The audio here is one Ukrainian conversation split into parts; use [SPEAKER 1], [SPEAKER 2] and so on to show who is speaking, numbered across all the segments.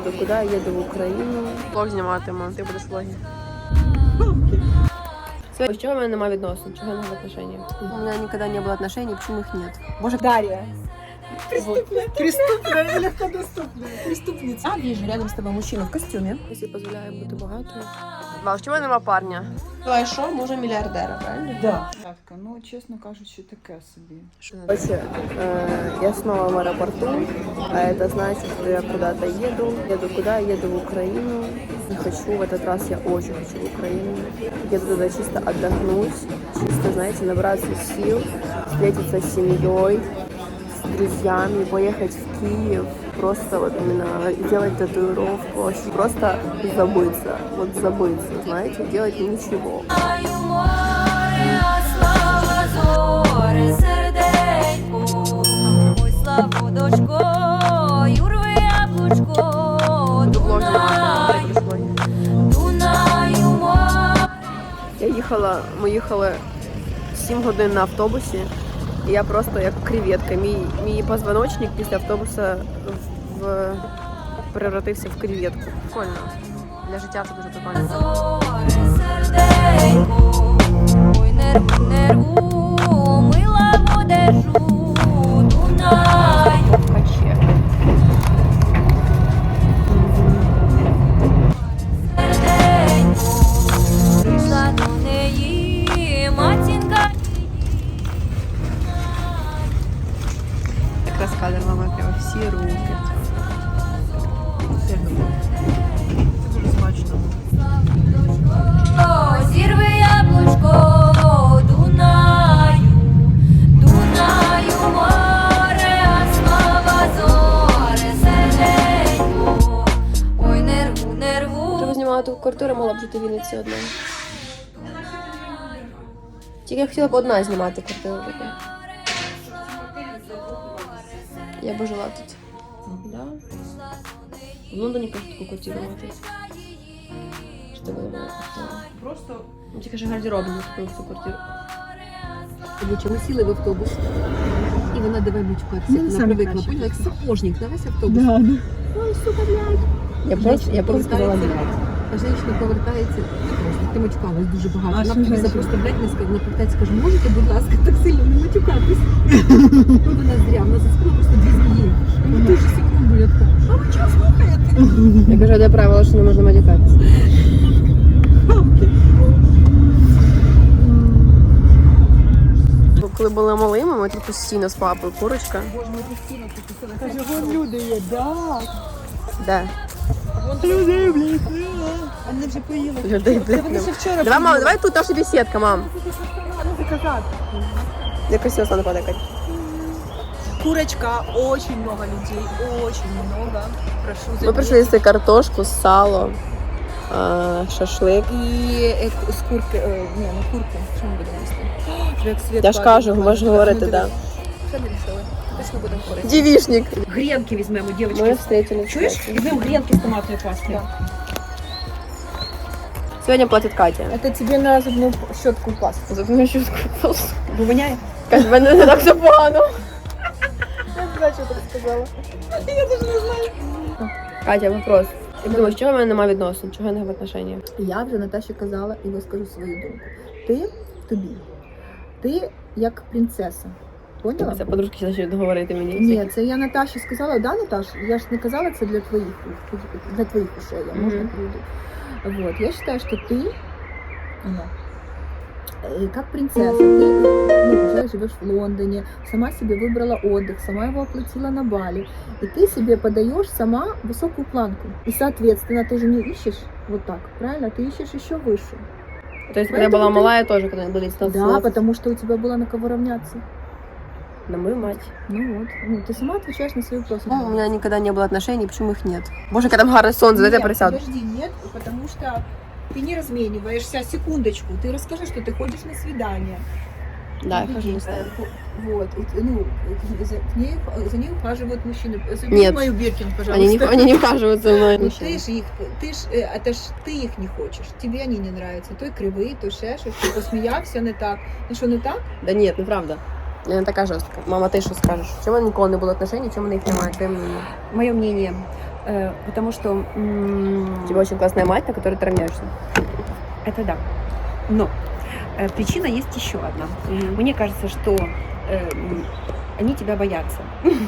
[SPEAKER 1] еду куди? Еду в Україну. Влог зніматиму, ти будеш в влогі. З чого в мене немає відносин? Чого я не в отношениях? У мене ніколи не було отношений, почему їх нет? Боже,
[SPEAKER 2] Дарья. Преступная, легкодоступная. Преступница. А, вижу, рядом с тобой мужчина в костюме.
[SPEAKER 1] якщо дозволяє бути багатою. Вау, чого нема парня? А що, може мільярдера, правильно?
[SPEAKER 2] Да. Ну, чесно кажучи, таке собі.
[SPEAKER 1] Короче, я снова в аэропорту, а это значит, что я куда-то еду. Еду куда? Еду в Украину. Не хочу, в этот раз я очень хочу в Украину. Еду туда чисто отдохнуть, чисто, знаете, набраться сил, встретиться с семьей, с друзьями, поехать в Киев, просто вот именно делать татуировку, вообще просто забыться, вот забыться, знаете, делать ничего. Ми їхали 7 годин на автобусі, і я просто як креветка. Мій позвоночник після автобуса превратився в креветку. Прикольно. Для життя це дуже прикольно. Якраз кадр мама прямо всі руки. Це дуже смачно.
[SPEAKER 3] Зірви яблучко, Дунаю, Дунаю море, а слава зоре, серденько, ой, нерву, нерву.
[SPEAKER 1] Треба знімати квартиру, могла б жити в Вінниці одна. Тільки я хотіла б одна знімати квартиру таку. Я б жила тут. Да? В Лондоні просто таку квартиру мати. Що тебе була квартира?
[SPEAKER 2] Просто...
[SPEAKER 1] Ну, тільки ж гардеробну таку всю квартиру.
[SPEAKER 4] Ми сіли в автобус, і вона давай матюкатися. Вона привикла, поняла, як сапожник на весь автобус.
[SPEAKER 2] Да.
[SPEAKER 4] Ой, сука, блядь.
[SPEAKER 1] Я просто сказала, блядь.
[SPEAKER 4] А жінка повертається, ти матюкалась дуже багато. Вона тобі просто, блядь, не сказала, вона повертається, каже, можете, будь ласка, так сильно не матюкатись? Вона зря, вона заспіла просто 2 змії. Ну, дуже секунду, я така, а ви чого слухаєте?
[SPEAKER 1] Я кажу, де правило, що не можна матюкатися. Коли були малими, ми тут постійно з папою курочка.
[SPEAKER 4] Боже, ми постійно тут писали.
[SPEAKER 2] Каже, вон люди є, да.
[SPEAKER 1] Де?
[SPEAKER 2] Людей, блядь. Вони вже поїли.
[SPEAKER 1] Людей, блядь.
[SPEAKER 2] Вони ще вчора
[SPEAKER 1] Давай, мама, давай тут наша беседка, мам.
[SPEAKER 2] заказати.
[SPEAKER 1] Я красиво стану подакать.
[SPEAKER 2] Курочка, очень много людей, очень много. Прошу
[SPEAKER 1] Ми прийшли їсти картошку, сало, шашлик.
[SPEAKER 2] І з курки, не курки, що ми будемо їсти?
[SPEAKER 1] Я ж кажу, можеш говорити, так.
[SPEAKER 2] Що не рішили? Точно будемо говорити.
[SPEAKER 1] Девішник.
[SPEAKER 4] Гренки візьмемо,
[SPEAKER 1] Ми
[SPEAKER 4] дівчатки.
[SPEAKER 1] встретились.
[SPEAKER 4] Чуєш? Візьмемо гренки з томатною пастою.
[SPEAKER 1] Сьогодні платить Катя.
[SPEAKER 2] Это тебе на зубную щетку пасту.
[SPEAKER 1] Зубну щітку.
[SPEAKER 4] Бо воняє?
[SPEAKER 1] Каже, в мене не так все погано.
[SPEAKER 2] Я не знаю, що ти сказала. Я даже не знаю.
[SPEAKER 1] Катя, вопрос. Як думаєш, чого в мене немає відносин? Чого я не в отношениях?
[SPEAKER 2] Я вже Наташі казала і вискажу свою думку. Ти як принцеса. Поняла?
[SPEAKER 1] Це подружки почнуть говорити мені.
[SPEAKER 2] Ні, це я Наташі сказала, да, Наташ? Я ж не казала це для твоїх ушей, я можна люди. Вот, я считаю, что ты, как принцесса, ты уже живешь в Лондоне, сама себе выбрала отдых, сама его оплатила на Бали, и ты себе подаешь сама высокую планку. И, соответственно, ты же не ищешь вот так, правильно? Ты ищешь еще выше.
[SPEAKER 1] То есть, когда я была малая, тоже, когда были 17.
[SPEAKER 2] Да, потому что у тебя было на кого равняться.
[SPEAKER 1] На мою мать.
[SPEAKER 2] Ну вот, ты сама отвечаешь на свои вопросы.
[SPEAKER 1] У меня никогда не было отношений, почему их нет? Боже, когда там гарное солнце, дайте я присяду.
[SPEAKER 2] Подожди, нет, потому что ты не размениваешься. Секундочку, ты расскажи, что ты ходишь на свидание.
[SPEAKER 1] Да, я хожу на свидание.
[SPEAKER 2] Вот, ну, за ней ухаживают мужчины.
[SPEAKER 1] Нет.
[SPEAKER 2] Мою Биркин, пожалуйста.
[SPEAKER 1] Они не ухаживают за мной.
[SPEAKER 2] Ну это ж ты их не хочешь, тебе они не нравятся. То кривые, то ще щось, ти посміявся не так. Ну що, не так?
[SPEAKER 1] Да нет, неправда. Я не така жорстка. Мама, ти що скажеш? Чому ніколи не було отношений, чому в них немає? Твоє мнение?
[SPEAKER 4] Мое мнение. Потому что
[SPEAKER 1] У тебя очень классная мать, на которой ты равняешься.
[SPEAKER 4] это да. Но причина есть еще одна. Мне кажется, что они тебя боятся.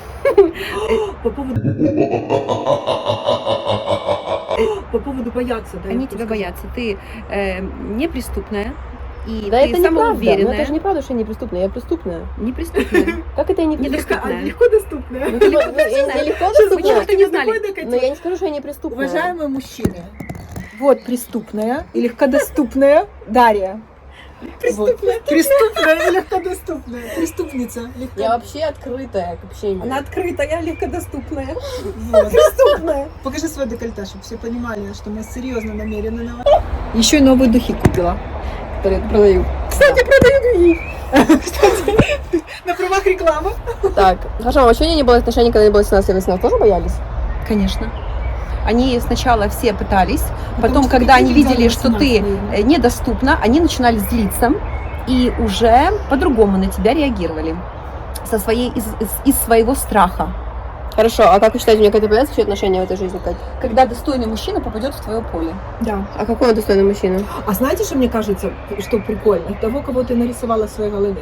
[SPEAKER 2] По поводу бояться, да?
[SPEAKER 4] Они тебя боятся. Ты неприступная. И
[SPEAKER 1] Да
[SPEAKER 4] ты
[SPEAKER 1] это неправда. Ну
[SPEAKER 4] самоуверенная.
[SPEAKER 1] это же неправда, что я неприступная. Я преступная.
[SPEAKER 4] Неприступная.
[SPEAKER 1] Как это я неприступная?
[SPEAKER 4] Недоступная.
[SPEAKER 2] Легко доступная.
[SPEAKER 1] Ну, типа, ну, я легко
[SPEAKER 4] Почему
[SPEAKER 1] доступная,
[SPEAKER 4] ты не знали?
[SPEAKER 1] но я не скажу, что я неприступная.
[SPEAKER 2] Уважаемые мужчины, вот преступная и легкодоступная Дарья. Преступная и легкодоступная. Преступница.
[SPEAKER 1] Я вообще открытая к общению.
[SPEAKER 4] Она открытая, легкодоступная.
[SPEAKER 2] Преступная. Покажи свой декольте, чтобы все понимали, что мы серьезно намерены на вас. Еще и новые духи купила.
[SPEAKER 1] Которые продаю.
[SPEAKER 2] Кстати, продаю духи. На правах рекламы.
[SPEAKER 1] Так, хорошо, а вообще у меня не было отношений, когда я была 17-18, тоже боялись?
[SPEAKER 4] Конечно. Они сначала все пытались,
[SPEAKER 2] Потому
[SPEAKER 4] потом,
[SPEAKER 2] что
[SPEAKER 4] когда
[SPEAKER 2] ты
[SPEAKER 4] они
[SPEAKER 2] не взяла
[SPEAKER 4] видели, что ты
[SPEAKER 2] 18
[SPEAKER 4] недоступна, они начинали злиться и уже по-другому на тебя реагировали. Из своего страха.
[SPEAKER 1] Хорошо, а как вы считаете, у меня какие-то появятся еще отношения в этой жизни, Кать?
[SPEAKER 4] Когда достойный мужчина попадет в твое поле.
[SPEAKER 2] Да.
[SPEAKER 1] А какой он достойный мужчина?
[SPEAKER 2] А знаете, что мне кажется, что прикольно? Того, кого ты нарисовала в своей голове.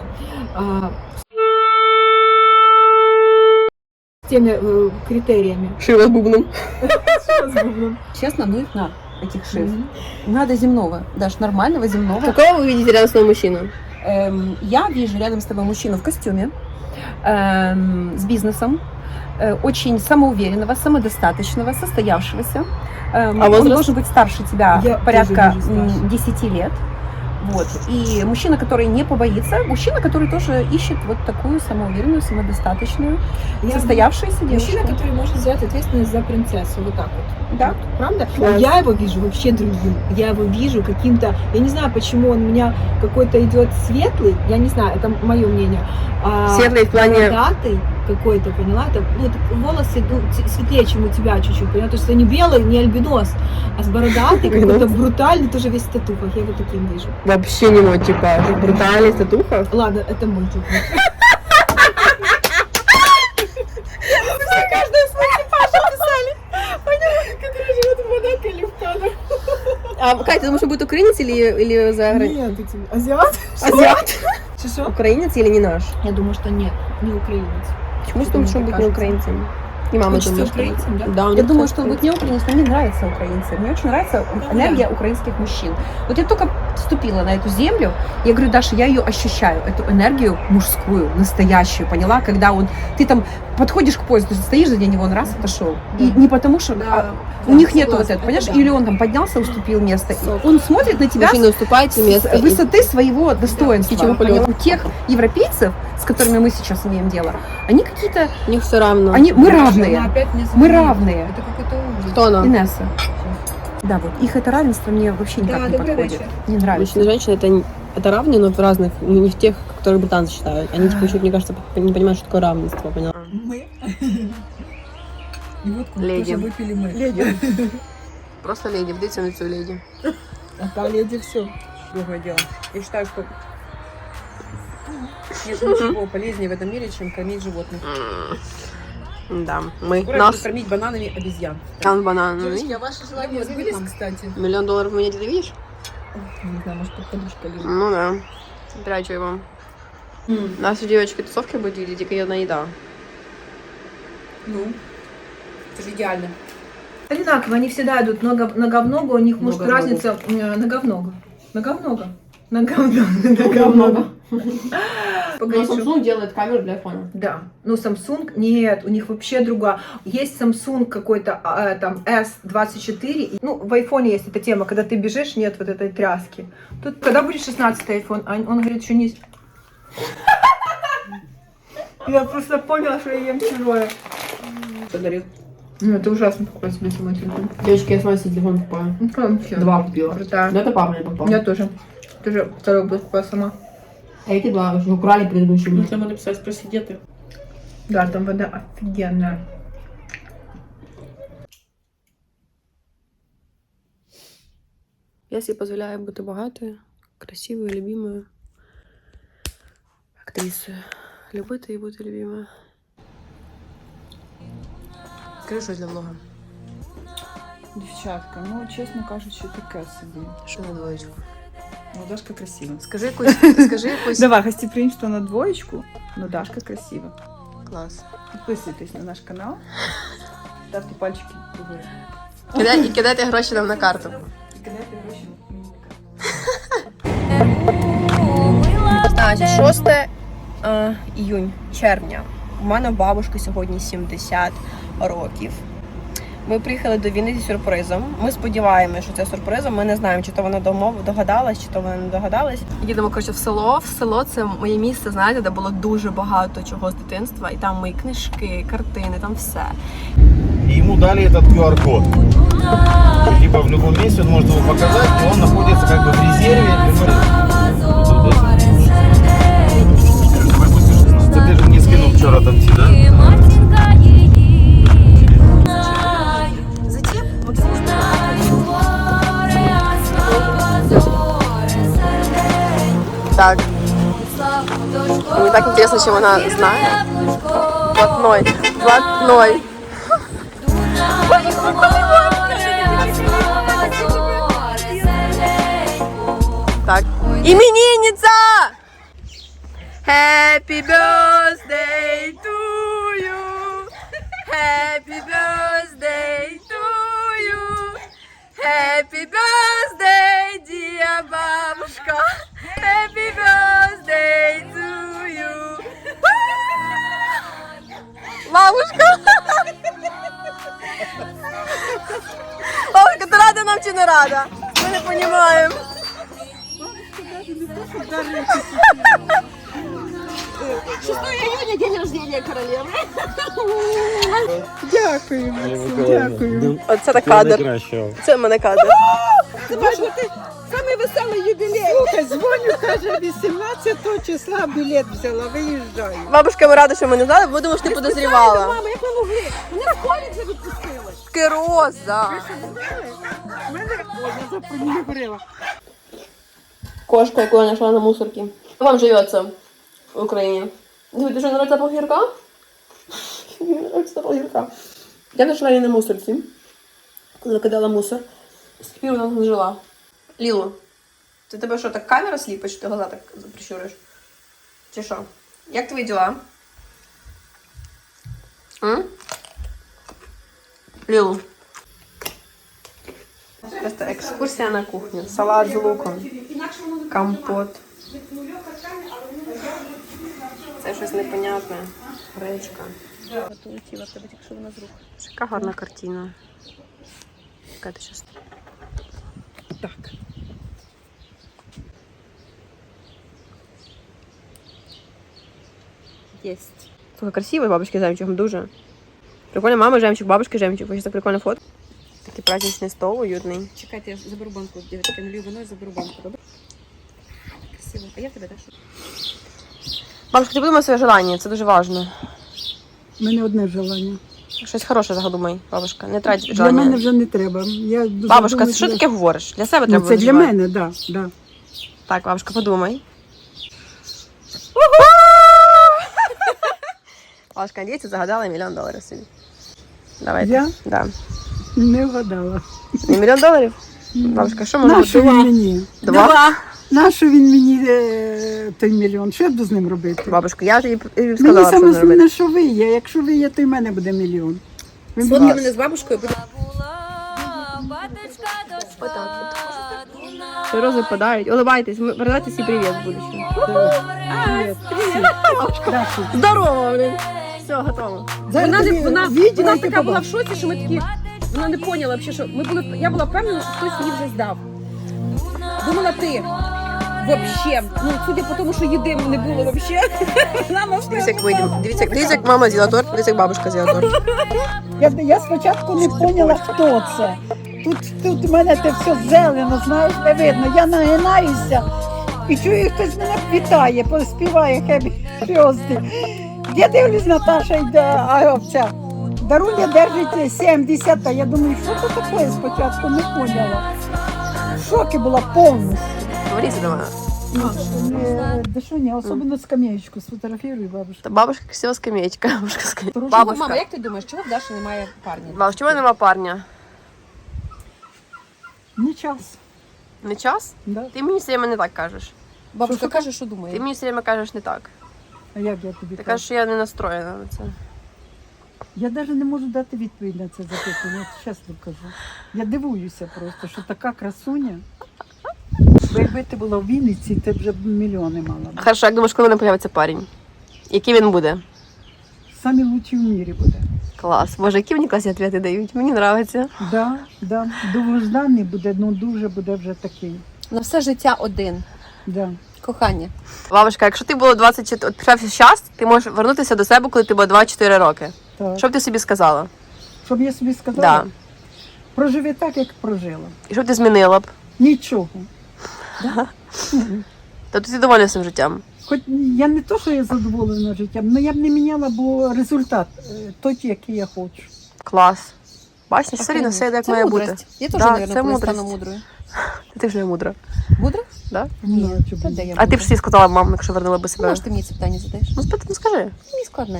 [SPEAKER 2] С теми критериями.
[SPEAKER 1] Шива с бубном.
[SPEAKER 4] Честно, ну их на этих шесть. Надо земного, даже нормального земного.
[SPEAKER 1] Какого вы видите рядом с своим мужчиной?
[SPEAKER 4] Я вижу рядом с тобой мужчину в костюме, с бизнесом, очень самоуверенного, самодостаточного, состоявшегося. Он
[SPEAKER 1] возраст?
[SPEAKER 4] должен быть старше тебя
[SPEAKER 2] Я
[SPEAKER 4] порядка
[SPEAKER 2] тоже вижу старше.
[SPEAKER 4] 10 лет. Вот. И мужчина, который не побоится, мужчина, который тоже ищет вот такую самоуверенную, самодостаточную, состоявшуюся девушку.
[SPEAKER 2] Мужчина, который может взять ответственность за принцессу, вот так вот.
[SPEAKER 4] Да.
[SPEAKER 2] Правда?
[SPEAKER 1] Класс.
[SPEAKER 2] Я его вижу вообще другим. Я его вижу каким-то, я не знаю, почему он у меня какой-то идет светлый, я не знаю, это мое мнение.
[SPEAKER 1] Светлый в плане...
[SPEAKER 2] Бородатый какой-то, поняла? Это, ну, волосы светлее, чем у тебя чуть-чуть, поняла? То есть это не белый, не альбинос, а с бородатый, какой-то брутальный, тоже весь в татухах. Я его таким вижу.
[SPEAKER 1] Вообще не мой типаж. Брутальный, татуха.
[SPEAKER 2] Ладно, это мой тип.
[SPEAKER 1] А, Катя, ты думаешь, он будет украинец или за границей?
[SPEAKER 2] Нет, эти азиат.
[SPEAKER 1] Азиат?
[SPEAKER 2] Что?
[SPEAKER 1] Украинец или не наш?
[SPEAKER 2] Я думаю, что нет, не украинец.
[SPEAKER 1] Почему ты думаешь, что он будет не украинцем? И мама
[SPEAKER 2] Хочется
[SPEAKER 1] думает, что...
[SPEAKER 2] украинцем, да?
[SPEAKER 1] Да, он
[SPEAKER 4] Я
[SPEAKER 1] не
[SPEAKER 4] думаю,
[SPEAKER 1] хочет
[SPEAKER 4] что он будет не украинец, но мне нравятся украинцы. Мне очень нравится энергия украинских мужчин. Вот я только вступила на эту землю, я говорю, Даша, я ее ощущаю, эту энергию мужскую, настоящую, поняла? Когда ты там подходишь к поезду, стоишь за него, он раз отошел. И не потому что у них нету вот этого, понимаешь? Или он там поднялся, уступил место. И он смотрит на тебя
[SPEAKER 1] Мужчина, уступайте место.
[SPEAKER 4] с высоты своего достоинства.
[SPEAKER 1] птичьего полета.
[SPEAKER 4] Поняла? У тех европейцев, с которыми мы сейчас имеем дело, они какие-то,
[SPEAKER 1] У них все равно.
[SPEAKER 4] мы равные.
[SPEAKER 2] Она опять мне
[SPEAKER 4] Мы
[SPEAKER 2] звонила.
[SPEAKER 4] равные.
[SPEAKER 2] Это какой-то ужас.
[SPEAKER 1] Кто она?
[SPEAKER 4] Инесса. Да, вот их это равенство мне вообще никак
[SPEAKER 2] Да,
[SPEAKER 4] не
[SPEAKER 2] добрый
[SPEAKER 4] подходит.
[SPEAKER 2] вечер.
[SPEAKER 4] Не нравится.
[SPEAKER 1] Мужчина и женщина это равные, но в разных, не в тех, которые британцы считают. Они типа еще, мне кажется, не понимают, что такое равенство, поняла?
[SPEAKER 2] Мы. И вот
[SPEAKER 1] Леди.
[SPEAKER 2] тоже выпили мы.
[SPEAKER 1] Леди. Просто леди, вдайте на лицо леди.
[SPEAKER 2] А та леди все.
[SPEAKER 4] Другое дело. Я считаю, что нет ничего полезнее в этом мире, чем кормить животных.
[SPEAKER 1] Да, мы.
[SPEAKER 4] Скоро
[SPEAKER 1] Нас.
[SPEAKER 4] буду кормить бананами обезьян.
[SPEAKER 1] Там банан.
[SPEAKER 2] Девочки, а ваши желания сбылись, кстати?
[SPEAKER 1] $1 миллион в меня где-то видишь?
[SPEAKER 2] Не знаю, может, под подушкой лежит.
[SPEAKER 1] Ну да. Прячу его. У нас у девочки тусовки будет или дикая еда.
[SPEAKER 4] Ну, это же идеально.
[SPEAKER 2] Одинаково, они всегда идут нога-в-ногу, у них может
[SPEAKER 4] Нога-в-ногу.
[SPEAKER 2] разница нога-в-ногу. Нога-в-ногу. Нога-в-ногу. Погоди, что-
[SPEAKER 1] делает камеру для айфона.
[SPEAKER 2] Да, ну Samsung нет, у них вообще другая. Есть Samsung какой-то там S24, и, ну в айфоне есть эта тема, когда ты бежишь, нет вот этой тряски. Тут когда будет 16-й iPhone, он говорит, что не... Я просто поняла, что я ем чужое.
[SPEAKER 4] Подарил.
[SPEAKER 2] Ну это ужасно покупать себе самой телефон.
[SPEAKER 1] Девочки, я с вами телефон покупаю.
[SPEAKER 2] Ну вообще.
[SPEAKER 1] 2 купила.
[SPEAKER 2] Крутая.
[SPEAKER 1] Да это папа мне попал.
[SPEAKER 2] Я тоже. Тоже второй был покупала сама.
[SPEAKER 1] А эти 2 уже украли предыдущие.
[SPEAKER 4] Ну, там написать, спроси, где ты?
[SPEAKER 2] Да, там вода офигенная.
[SPEAKER 1] Я себе позволяю бути багатою, красивою, любимою актрисою. Любити і бути любимою. Скажи щось для влога.
[SPEAKER 5] Дівчатка, ну чесно кажучи, таке собі.
[SPEAKER 1] Що на двоєчку?
[SPEAKER 5] Ну, Дашка красива.
[SPEAKER 1] Скажи якусь.
[SPEAKER 5] Давай, гостеприимство на двоєчку, но Дашка красива.
[SPEAKER 1] Клас.
[SPEAKER 5] Підписуйтесь на наш канал, ставте пальчики вгору.
[SPEAKER 1] І кидайте гроші нам на карту.
[SPEAKER 5] І кидайте гроші мені на карту.
[SPEAKER 1] Значить, 6 червня. У мене у бабушки сьогодні 70 років. Ми приїхали до Вінниці з сюрпризом. Ми сподіваємося, що це сюрпризом. Ми не знаємо, чи то вона догадалась, чи то вона не догадалась. Їдемо, коротше, в село. В село – це моє місце, знаєте, де було дуже багато чого з дитинства. І там мої книжки, картини, там все.
[SPEAKER 6] И ему дали этот QR-код. Типа в любом месте он может его показать, и он находится как бы в резерве. Ты же не скинул вчера там ці, да?
[SPEAKER 1] Так. Мне так интересно, чем она знает. Блатной. Так. Именинница! Happy birthday to you. Happy birthday to you. Happy birthday, dear бабушка. Happy birthday to you. Бабушка! Бабушка, ти рада нам чи не рада? Ми не розуміємо.
[SPEAKER 6] Дякую.
[SPEAKER 1] Оце так кадр. Це в мене кадр.
[SPEAKER 7] Слухай, дзвоню, каже, 18 числа білет взяла, виїжджаю.
[SPEAKER 1] Бабушка, ми рада, що ми не знали, бо думали, що ти подозрівала.
[SPEAKER 7] Мама, як ви могли? Мене в школі вже відпустили.
[SPEAKER 1] Кироза.
[SPEAKER 7] Мене, я про нього говорила.
[SPEAKER 1] Кошка, яку я знайшла на мусорці. Як вам живеться в Україні? Ти що, не запах гірка? Запах гірка. Я знайшла її на мусорці, коли викидала мусор. З тих пір вона не жила. Лілу, це тебе що, так камера сліпить, що ти глаза так прищуриш? Чи що? Як твої діла? Лілу. Просто екскурсія на кухню. Салат з луком. Компот. Це щось непонятне. Гречка. Полетіла в тебе, якщо вона з рук. Яка гарна картина. Яка ти щас? Так. Єсть. Слухай, красивий бабушки жемчуг, дуже. Прикольно, мама жемчуг, бабушки жемчуг. Ось так прикольно фото. Такий праздничний стол, уютний.
[SPEAKER 4] Чекайте, я заберу банку, дівчатки, налью вино і заберу банку, добре? Красиво. А я в тебе, Даша?
[SPEAKER 1] Бабушка, ти подумай своє желання, це дуже важливо.
[SPEAKER 7] У мене одне желання.
[SPEAKER 1] Щось хороше загадумай, бабушка. Не трать
[SPEAKER 7] Для
[SPEAKER 1] желання.
[SPEAKER 7] мене вже не треба. Я дуже
[SPEAKER 1] Бабушка,
[SPEAKER 7] думаю,
[SPEAKER 1] що ти таке говориш? Для себе
[SPEAKER 7] Ну,
[SPEAKER 1] треба
[SPEAKER 7] це для
[SPEAKER 1] виживати.
[SPEAKER 7] мене, так. Да, да.
[SPEAKER 1] Так, бабушка, подумай. Бабушка, надіється, загадала $1 мільйон собі. Давайте.
[SPEAKER 7] Я?
[SPEAKER 1] Да.
[SPEAKER 7] Не вгадала.
[SPEAKER 1] Не $1 мільйон? Бабушка, що може
[SPEAKER 7] Нащо
[SPEAKER 1] бути?
[SPEAKER 7] він мені?
[SPEAKER 1] Два.
[SPEAKER 7] Нащо він мені той мільйон? Що я буду з ним робити?
[SPEAKER 1] Бабушка, я ж їй
[SPEAKER 7] Мені
[SPEAKER 1] сказала, що
[SPEAKER 7] саме
[SPEAKER 1] не робити.
[SPEAKER 7] основне, що ви є. Якщо ви є, то й в мене буде мільйон. Ви
[SPEAKER 4] Сфоткай
[SPEAKER 7] будете-
[SPEAKER 4] мене з бабушкою, буде.
[SPEAKER 1] Що рози падають. Улыбайтесь, передайте всі привіт в будущем. Здорово, блін. Все, готово.
[SPEAKER 7] Зараз
[SPEAKER 4] Вона,
[SPEAKER 7] тобі
[SPEAKER 4] вона
[SPEAKER 7] відео і ти
[SPEAKER 4] така була в
[SPEAKER 7] побачиш.
[SPEAKER 4] шоці, що ми такі, вона не поняла взагалі, що я була впевнена, що хтось її вже здав. Думала ти. Вообще, ну судя по тому, що їди не було вообще.
[SPEAKER 1] Дивіться, як вийдемо. Дивіться, як мама з'їла торт, дивіться, як бабушка з'їла торт.
[SPEAKER 7] Я спочатку не поняла, хто це. Тут у мене те все зелено, знаєш, не видно. Я нагинаюся і чую, хтось мене вітає, співає хебі пьозди. Я дивлюсь, Наташа йде, а овця. Даруня держить 70, а я думаю, що це таке спочатку, не поняла. В шокі була повністю.
[SPEAKER 1] Говорите до мене.
[SPEAKER 7] Да що ні, особливо скамеечку сфотографірую, бабушка.
[SPEAKER 1] Та бабушка красива скамеечка. Бабушка скамеечка.
[SPEAKER 4] Мама,
[SPEAKER 1] Бабушка.
[SPEAKER 4] як ти думаєш, чого в Даші немає парня?
[SPEAKER 1] Бабушка, чому нема парня?
[SPEAKER 7] Не час.
[SPEAKER 1] Не час?
[SPEAKER 7] Да.
[SPEAKER 1] Ти мені все время не так кажеш.
[SPEAKER 4] Бабушка
[SPEAKER 7] Що
[SPEAKER 4] каже, що
[SPEAKER 1] Ти
[SPEAKER 4] думає.
[SPEAKER 1] мені все время кажеш не так.
[SPEAKER 7] А як я тобі
[SPEAKER 1] Ти
[SPEAKER 7] кажу?
[SPEAKER 1] кажеш, що я не настроєна на це.
[SPEAKER 7] Я навіть не можу дати відповідь на це запитання, я чесно кажу. Я дивуюся просто, що така красуня. Бо якби ти була в Вінниці, ти б вже мільйони мала. б.
[SPEAKER 1] Хорошо, як думаєш, коли не появиться парень? Який він буде?
[SPEAKER 7] Самі лучші в мірі буде.
[SPEAKER 1] Клас. Боже, які мені класні відповіді дають. Мені подобається.
[SPEAKER 7] Да, да. Довгожданий буде, ну дуже буде вже такий.
[SPEAKER 4] На все життя один.
[SPEAKER 7] Да.
[SPEAKER 4] Кохання.
[SPEAKER 1] Бабушка, якщо ти було 24, от почався час, ти можеш вернутися до себе, коли ти було 24 роки.
[SPEAKER 7] Так.
[SPEAKER 1] Що б ти собі сказала?
[SPEAKER 7] Щоб я собі сказала,
[SPEAKER 1] Да.
[SPEAKER 7] проживи так, як прожила.
[SPEAKER 1] І що б ти змінила б?
[SPEAKER 7] Нічого.
[SPEAKER 1] Тобто ти довольна цим життям?
[SPEAKER 7] Хоч я не то, що я задоволена життям, але я б не міняла, бо результат той, який я хочу.
[SPEAKER 1] Клас. Бачиш, все рівно все йде, як
[SPEAKER 4] Це
[SPEAKER 1] має бути.
[SPEAKER 4] мудрость. Я теж,
[SPEAKER 1] Да,
[SPEAKER 4] мабуть,
[SPEAKER 1] це
[SPEAKER 4] коли
[SPEAKER 1] мудрость.
[SPEAKER 4] стану мудрою.
[SPEAKER 1] Ти ж не мудра.
[SPEAKER 4] Мудра?
[SPEAKER 1] Да?
[SPEAKER 7] Ні,
[SPEAKER 4] Та де я
[SPEAKER 1] А ти
[SPEAKER 4] мудра?
[SPEAKER 1] б всі сказала мам, якщо вернула би себе.
[SPEAKER 4] Може, ти мені це питання задаєш?
[SPEAKER 1] Ну скажи.
[SPEAKER 4] Мені складне.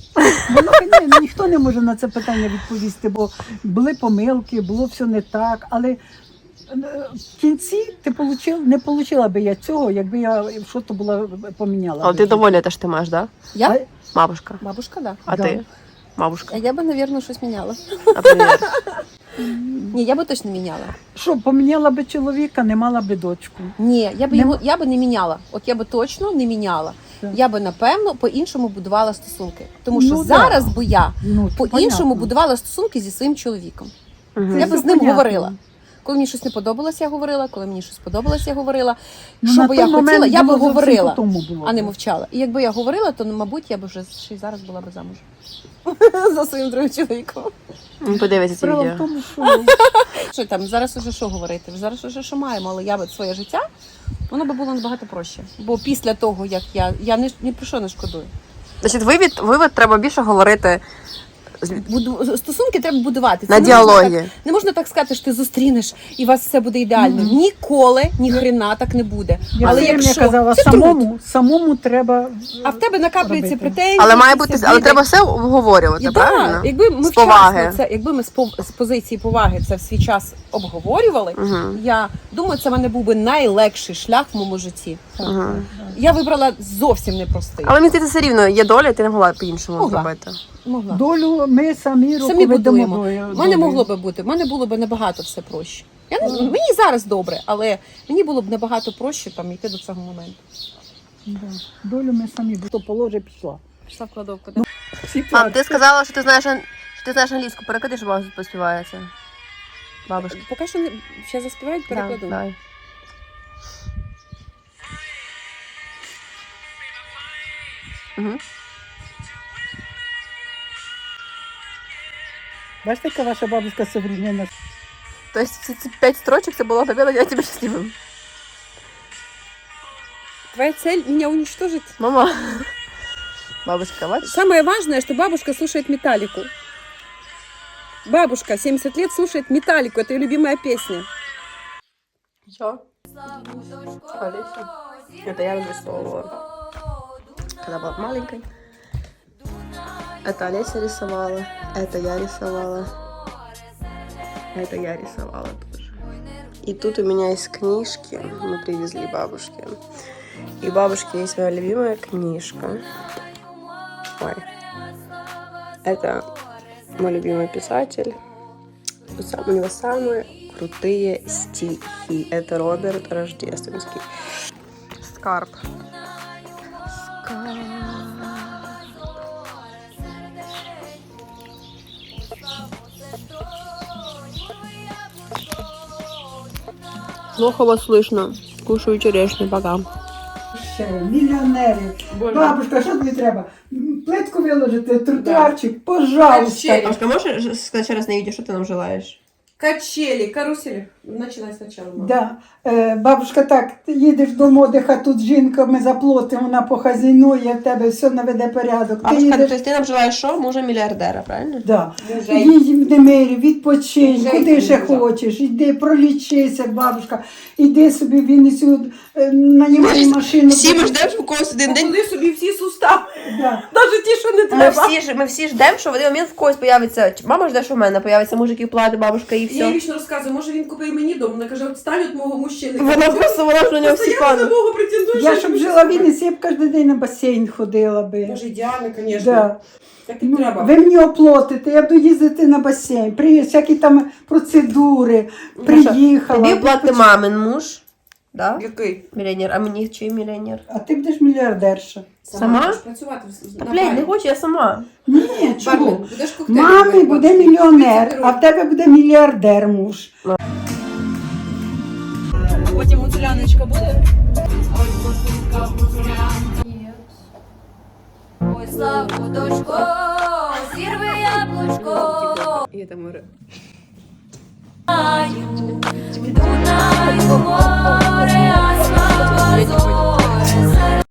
[SPEAKER 7] Ніхто не може на це питання відповісти, бо були помилки, було все не так, але в кінці не отримала би я цього, якби я щось була поміняла.
[SPEAKER 1] Але
[SPEAKER 7] би.
[SPEAKER 1] ти довольна те, що ти маєш, да?
[SPEAKER 4] Я?
[SPEAKER 1] Бабушка.
[SPEAKER 4] Бабушка, да.
[SPEAKER 1] А
[SPEAKER 7] Да.
[SPEAKER 1] ти? Бабушка.
[SPEAKER 4] А я би, мабуть, щось міняла.
[SPEAKER 1] А привіт.
[SPEAKER 4] Ні, я би точно міняла.
[SPEAKER 7] Що, поміняла би чоловіка, не мала би дочку.
[SPEAKER 4] Ні, я би не міняла. От я би точно не міняла.
[SPEAKER 7] Так.
[SPEAKER 4] Я би, напевно, по-іншому будувала стосунки. Тому що
[SPEAKER 7] Ну,
[SPEAKER 4] зараз
[SPEAKER 7] да.
[SPEAKER 4] би я
[SPEAKER 7] Ну,
[SPEAKER 4] по-іншому
[SPEAKER 7] понятно.
[SPEAKER 4] будувала стосунки зі своїм чоловіком.
[SPEAKER 1] Мгм.
[SPEAKER 4] Я би
[SPEAKER 7] все
[SPEAKER 4] з ним
[SPEAKER 7] понятно.
[SPEAKER 4] говорила. Коли мені щось не подобалось, я говорила. Коли мені щось подобалось, я говорила.
[SPEAKER 7] Ну,
[SPEAKER 4] Що
[SPEAKER 7] на
[SPEAKER 4] би
[SPEAKER 7] той
[SPEAKER 4] я хотіла,
[SPEAKER 7] момент
[SPEAKER 4] я би
[SPEAKER 7] було зовсім
[SPEAKER 4] говорила,
[SPEAKER 7] по-тому було
[SPEAKER 4] а не
[SPEAKER 7] б.
[SPEAKER 4] мовчала. І якби я говорила, то, мабуть, я б вже ще й зараз була б замуж. За своїм другим чоловіком.
[SPEAKER 1] Подивися ці
[SPEAKER 7] Справа в
[SPEAKER 1] відео.
[SPEAKER 7] тому, що
[SPEAKER 4] Що там, зараз уже що говорити? Зараз уже що маємо, але я би своє життя, воно би було набагато проще. Бо після того, як я ні про що не шкодую.
[SPEAKER 1] Значить, вивід треба більше говорити
[SPEAKER 4] Стосунки треба будувати. Це
[SPEAKER 1] на
[SPEAKER 4] не можна
[SPEAKER 1] діалогі.
[SPEAKER 4] так- Не можна так сказати, що ти зустрінеш і у вас все буде ідеально.
[SPEAKER 7] Мгм.
[SPEAKER 4] Ніколи, ні хрена так не буде.
[SPEAKER 7] я
[SPEAKER 4] Але
[SPEAKER 7] все время
[SPEAKER 4] якщо
[SPEAKER 7] казала,
[SPEAKER 4] це труд.
[SPEAKER 7] самому треба.
[SPEAKER 4] А в тебе накаплюються
[SPEAKER 7] робити.
[SPEAKER 4] претензії.
[SPEAKER 1] Але має
[SPEAKER 4] якісь
[SPEAKER 1] бути, але
[SPEAKER 4] обіди.
[SPEAKER 1] треба все обговорювати,
[SPEAKER 4] І
[SPEAKER 1] правильно?
[SPEAKER 4] так, якби ми
[SPEAKER 1] З
[SPEAKER 4] вчасно
[SPEAKER 1] поваги.
[SPEAKER 4] це, якби ми з позиції поваги це в свій час обговорювали,
[SPEAKER 1] Угу.
[SPEAKER 4] я думаю, це в мене був би найлегший шлях в моєму житті.
[SPEAKER 1] Угу.
[SPEAKER 4] Я вибрала зовсім непростий.
[SPEAKER 1] Але мені здається, все рівно є доля, і ти не могла по-іншому
[SPEAKER 4] Могла.
[SPEAKER 1] зробити.
[SPEAKER 4] Могла.
[SPEAKER 7] Долю ми самі
[SPEAKER 4] Самі будуємо.
[SPEAKER 7] долею.
[SPEAKER 4] У мене могло би бути, в мене було б набагато все проще. Мені зараз добре, але мені було б набагато проще там йти до цього моменту.
[SPEAKER 7] Да. Долю ми самі, бо то положе пішла.
[SPEAKER 4] Пішла в кладовку.
[SPEAKER 7] Всі
[SPEAKER 1] Мам, ти сказала, що ти знаєш англійську. Переклади, що бабуся поспівається. Бабушка.
[SPEAKER 4] Поки що ще заспівають, перекладу.
[SPEAKER 1] Давай. Угу.
[SPEAKER 7] Бачите, яка ваша бабушка современна?
[SPEAKER 1] Тобто ці 5 строчок це було победа, я тебе щасливим.
[SPEAKER 4] Твоя цель меня уничтожить.
[SPEAKER 1] Мама. Бабушка, бачиш?
[SPEAKER 4] Самое важное, что бабушка слушает Металлику. Бабушка 70 лет слушает Металлику. Это ее любимая песня.
[SPEAKER 1] Что? Олеся. Это я разрисовывала, когда была маленькой. Это Олеся рисовала, это я рисовала, это я рисовала тоже. И тут у меня есть книжки, мы привезли бабушке. И у бабушки есть моя любимая книжка. Ой. Это мой любимый писатель. У него самые крутые стихи. Это Роберт Рождественский. Скарб. Скарб. Плохо вас слышно. Кушаю черешню, пока.
[SPEAKER 7] Ще мільйонерів. Бабушка, що тобі треба? Плитку виложити, тротуарчик, пожалуйста.
[SPEAKER 1] Бабушка, можешь сказать еще раз на видео, что ты нам желаешь?
[SPEAKER 4] Качели, карусели. Начинай сначала.
[SPEAKER 7] Да. Бабушка, так, ти їдеш до модиха, тут жінка, ми заплатимо, вона похазяйнує, в тебе все наведе порядок. Ти
[SPEAKER 1] Бабушка,
[SPEAKER 7] їдеш,
[SPEAKER 1] то есть ты нам желаешь что? Мужа миллиардера, правильно?
[SPEAKER 7] да. Їдь в Демирі, відпочинь,
[SPEAKER 4] Вже
[SPEAKER 7] куди
[SPEAKER 4] йди,
[SPEAKER 7] ще
[SPEAKER 4] вже.
[SPEAKER 7] хочеш, іди, пролічися, бабушка, іди собі в Вінницю, нанімай машину.
[SPEAKER 1] Всі ми ждемо, що у когось один день.
[SPEAKER 4] Куди собі всі сустави.
[SPEAKER 7] Да.
[SPEAKER 4] Навіть ті, що не
[SPEAKER 1] Ми всі ждемо, що в один момент в когось появиться. Мама жде, що в мене появиться мужик, який платить, бабушка і
[SPEAKER 8] Я їй
[SPEAKER 1] все.
[SPEAKER 8] вічно розказую, може він купив мені дом. Вона каже, отстань від мого мужчини.
[SPEAKER 1] Вона просто, вона ж на нього всі
[SPEAKER 8] Постоянно
[SPEAKER 1] пани.
[SPEAKER 8] на мого претендує.
[SPEAKER 7] Я
[SPEAKER 8] що
[SPEAKER 7] щоб
[SPEAKER 8] він
[SPEAKER 7] жила в
[SPEAKER 8] щось
[SPEAKER 7] Вінниці, я б кожен день на басейн ходила би.
[SPEAKER 8] Боже, ідеально, звісно.
[SPEAKER 7] Да.
[SPEAKER 8] Так і
[SPEAKER 7] Ну,
[SPEAKER 8] треба.
[SPEAKER 7] ви мені оплатите, я буду їздити на басейн, всякі там процедури,
[SPEAKER 1] Маша,
[SPEAKER 7] приїхала.
[SPEAKER 1] Тобі платить мамин муж, да?
[SPEAKER 8] Який?
[SPEAKER 1] Мільйонер, а мені чий мільйонер?
[SPEAKER 7] А ти будеш мільярдерша.
[SPEAKER 1] Сама?
[SPEAKER 8] Будеш працювати
[SPEAKER 1] Та,
[SPEAKER 8] на
[SPEAKER 1] блядь, не
[SPEAKER 8] барі.
[SPEAKER 1] хочу, я сама.
[SPEAKER 7] Ні,
[SPEAKER 8] Бармен,
[SPEAKER 7] чого?
[SPEAKER 8] будеш коктейлі
[SPEAKER 7] Мамі
[SPEAKER 8] робити,
[SPEAKER 7] буде
[SPEAKER 8] бачиш,
[SPEAKER 7] мільйонер,
[SPEAKER 8] 30
[SPEAKER 7] а в тебе буде мільярдер муж.
[SPEAKER 5] Потім гуцуляночка буде?
[SPEAKER 3] Ой, славу дочко, зірви яблучко.
[SPEAKER 1] І там море.
[SPEAKER 3] Дунаю море, а слава зоре.